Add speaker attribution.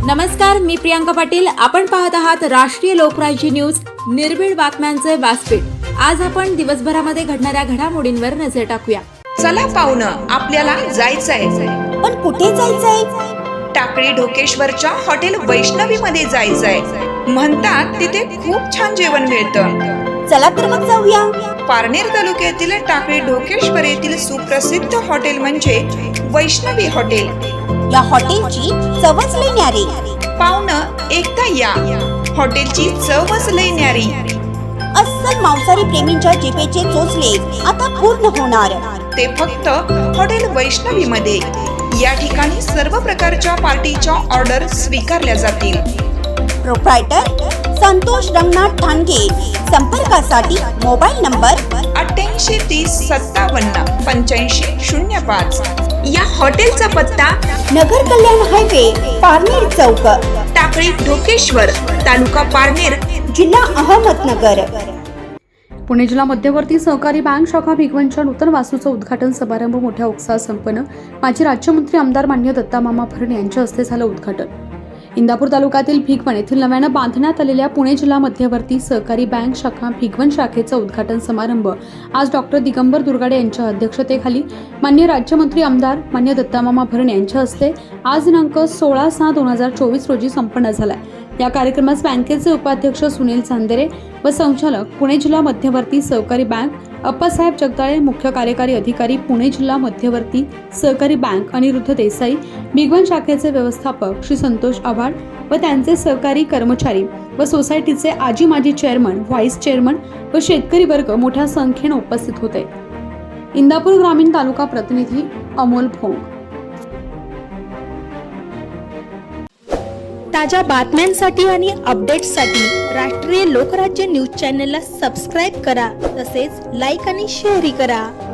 Speaker 1: नमस्कार, मी प्रियांका पाटील. आपण पाहत आहात राष्ट्रीय लोकराज्य न्यूज, निर्भीड बातम्यांचे व्यासपीठ. आज आपण दिवसभरामध्ये घडणाऱ्या घडामोडींवर नजर टाकूया.
Speaker 2: चला पाहुणं, आपल्याला जायचंय.
Speaker 3: पण कुठे जायचंय?
Speaker 2: टाकळी ढोकेश्वरच्या हॉटेल वैष्णवी मध्ये जायचंय. म्हणतात तिथे खूप छान जेवण मिळतं.
Speaker 3: चला तर मग जाऊया.
Speaker 2: पारनेर तालुक्यातील टाकळी ढोकेश्वर येथील सुप्रसिद्ध हॉटेल म्हणजे वैष्णवी हॉटेल.
Speaker 3: या हॉटेलची चवच लई न्यारी.
Speaker 2: पाहुणं, एकदा या. हॉटेलची चवच लई न्यारी.
Speaker 3: अस्सल मांसाहारी प्रेमींच्या जिभेचे चोचले आता पूर्ण होणार.
Speaker 2: ते फक्त हॉटेल वैष्णवी मध्ये. या ठिकाणी सर्व प्रकारच्या पार्टीच्या ऑर्डर स्वीकारल्या जातील.
Speaker 3: प्रोप्रायटर संतोष रंगनाथ ठाणगे. संपर्कासाठी मोबाईल नंबर
Speaker 2: 8830578505. या हॉटेलचा पत्ता
Speaker 3: नगर कल्याण हायवे, पारनेर चौक,
Speaker 2: टाकळी ढोकेश्वर, तालुका पारनेर,
Speaker 3: जिल्हा अहमदनगर.
Speaker 4: पुणे जिल्हा मध्यवर्ती सहकारी बँक शाखा भिगवणच्या नूतन वास्तूचा उद्घाटन समारंभ मोठ्या उत्साहात संपन्न. माजी राज्यमंत्री आमदार मान्य दत्तामामा भरणे यांच्या हस्ते झालं उद्घाटन. इंदापूर तालुक्यातील भिगवण येथील नव्यानं बांधण्यात आलेल्या पुणे जिल्हा मध्यवर्ती सहकारी बँक शाखा भिगवण शाखेचा उद्घाटन समारंभ आज डॉक्टर दिगंबर दुर्गाडे यांच्या अध्यक्षतेखाली मान्य राज्यमंत्री आमदार मान्य दत्तामामा भरणे यांच्या हस्ते आज दिनांक 16/6/2024 रोजी संपन्न झाला. या कार्यक्रमास बँकेचे उपाध्यक्ष सुनील चांदेरे व संचालक पुणे जिल्हा मध्यवर्ती सहकारी बँक अप्पासाहेब जगदाळे, मुख्य कार्यकारी अधिकारी पुणे जिल्हा मध्यवर्ती सहकारी बँक अनिरुद्ध देसाई, भिगवण शाखेचे व्यवस्थापक श्री संतोष आव्हाड व त्यांचे सहकारी कर्मचारी व सोसायटीचे आजी माजी चेअरमन, व्हाईस चेअरमन व शेतकरी वर्ग मोठ्या संख्येने उपस्थित होते. इंदापूर ग्रामीण तालुका प्रतिनिधी अमोल भोंग.
Speaker 5: ताज्या बातम्यांसाठी आणि अपडेट्ससाठी राष्ट्रीय लोकराज्य न्यूज चॅनलला सबस्क्राईब करा. तसेच लाईक आणि शेअरही करा.